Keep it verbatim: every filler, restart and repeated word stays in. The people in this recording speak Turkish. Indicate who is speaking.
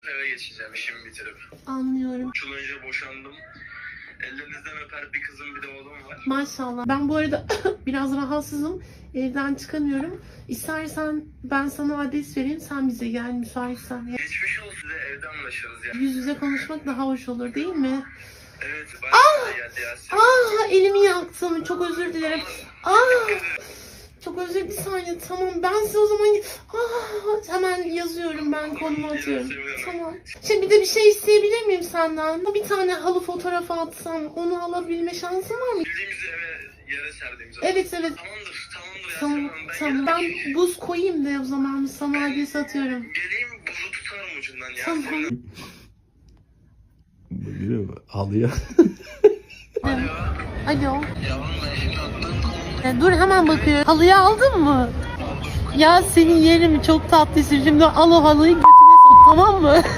Speaker 1: eve geçeceğim işimi bitirip.
Speaker 2: Anlıyorum.
Speaker 1: Üç yıl önce boşandım. Ellerinizden öper bir kızım bir de oğlum var.
Speaker 2: Maşallah. Ben bu arada biraz rahatsızım. Evden çıkamıyorum. İstersen ben sana adres vereyim. Sen bize gel müsaitsen.
Speaker 1: Geçmiş olsun size evde anlaşırız ya.
Speaker 2: Yüz yüze konuşmak daha hoş olur değil mi?
Speaker 1: Evet bayağı da geldi ya.
Speaker 2: Ah, elimi yaktım. Çok özür dilerim. Ah, çok özür bir saniye. Tamam ben size o zaman ah, hemen yazıyorum, ben konumu atıyorum. Tamam. Şimdi bir de bir şey isteyebilir miyim senden? Bir tane halı fotoğrafı atsam onu alabilme şansın var mı?
Speaker 1: Bildiğimiz eve yere serdiğimiz zaman.
Speaker 2: Evet evet.
Speaker 1: Tamamdır tamamdır ya.
Speaker 2: Tamam,
Speaker 1: Ben
Speaker 2: tamam.
Speaker 1: geldim.
Speaker 2: Ben buz koyayım da o zaman sana adres atıyorum.
Speaker 1: Geleyim buzu tutarım ucundan ya.
Speaker 2: Tamam.
Speaker 1: Senin-
Speaker 3: Biliyor musun? Halıya.
Speaker 1: Alo.
Speaker 2: Alo.
Speaker 1: Yavrum ben şimdi attım.
Speaker 2: E, dur hemen bakıyorum. Halıyı aldın mı? Ya senin yerim çok tatlısın. Şimdi al o halıyı götüne sok, tamam mı?